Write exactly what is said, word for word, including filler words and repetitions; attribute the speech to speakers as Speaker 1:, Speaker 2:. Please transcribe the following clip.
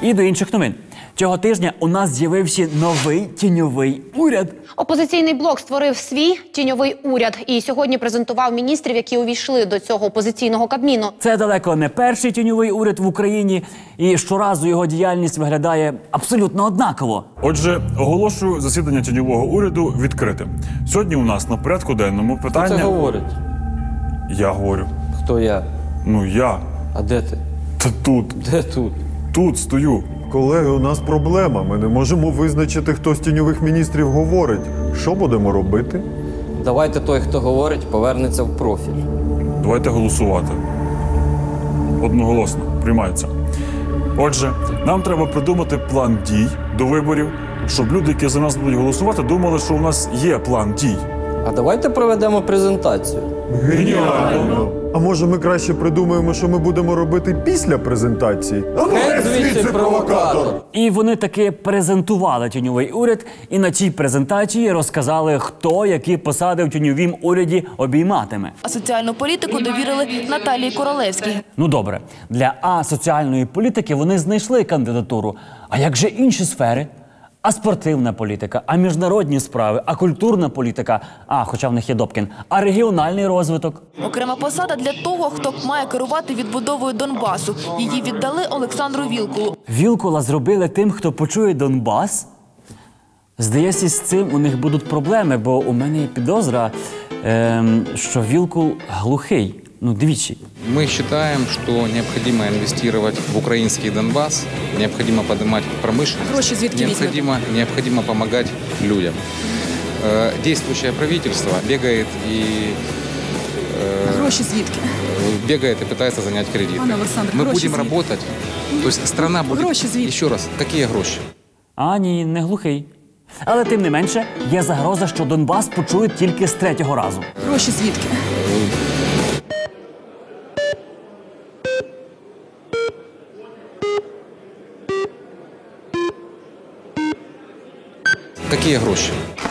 Speaker 1: І до інших новин. Цього тижня у нас з'явився новий тіньовий уряд.
Speaker 2: Опозиційний блок створив свій тіньовий уряд і сьогодні презентував міністрів, які увійшли до цього опозиційного Кабміну.
Speaker 1: Це далеко не перший тіньовий уряд в Україні, і щоразу його діяльність виглядає абсолютно однаково.
Speaker 3: Отже, оголошую засідання тіньового уряду відкритим. Сьогодні у нас на порядку денному питання...
Speaker 4: Хто це говорить?
Speaker 3: Я говорю.
Speaker 4: Хто я?
Speaker 3: Ну, я.
Speaker 4: А де ти?
Speaker 3: Та тут.
Speaker 4: Де тут?
Speaker 3: Тут стою.
Speaker 5: Колеги, у нас проблема. Ми не можемо визначити, хто з тіньових міністрів говорить. Що будемо робити?
Speaker 4: Давайте той, хто говорить, повернеться в профіль.
Speaker 3: Давайте голосувати. Одноголосно. Приймається. Отже, нам треба придумати план дій до виборів, щоб люди, які за нас будуть голосувати, думали, що у нас є план дій.
Speaker 4: А давайте проведемо презентацію.
Speaker 5: Геніально! А може ми краще придумаємо, що ми будемо робити після презентації?
Speaker 4: Геть звідси, провокатор!
Speaker 1: І вони таки презентували тіньовий уряд, і на цій презентації розказали, хто які посади в тіньовім уряді обійматиме.
Speaker 6: А соціальну політику довірили Наталії Королевській.
Speaker 1: Ну добре, для асоціальної політики вони знайшли кандидатуру. А як же інші сфери? А спортивна політика, а міжнародні справи, а культурна політика, а, хоча в них є Добкін, а регіональний розвиток.
Speaker 6: Окрема посада для того, хто має керувати відбудовою Донбасу. Її віддали Олександру Вілкулу.
Speaker 1: Вілкула зробили тим, хто почує Донбас? Здається, з цим у них будуть проблеми, бо у мене є підозра, ем, що Вілкул глухий. Ну, двічі.
Speaker 7: Мы считаем, что необходимо инвестировать в украинский Донбасс, необходимо поднимать промышленность, необходимо, необходимо помогать людям. Э, действующее правительство бегает и э,
Speaker 8: Гроші звідки?
Speaker 7: бегает и пытается занять кредиты.
Speaker 8: Пане Олександр,
Speaker 7: Мы
Speaker 8: гроші
Speaker 7: будем
Speaker 8: звідки?
Speaker 7: работать, то есть страна будет...
Speaker 8: Гроші звідки?
Speaker 7: Еще раз, какие гроши?
Speaker 1: А, ні, не глухий. Але тим не менше, є загроза, що Донбас почують тільки з третього разу.
Speaker 8: Гроші звідки?
Speaker 7: Какие гроши?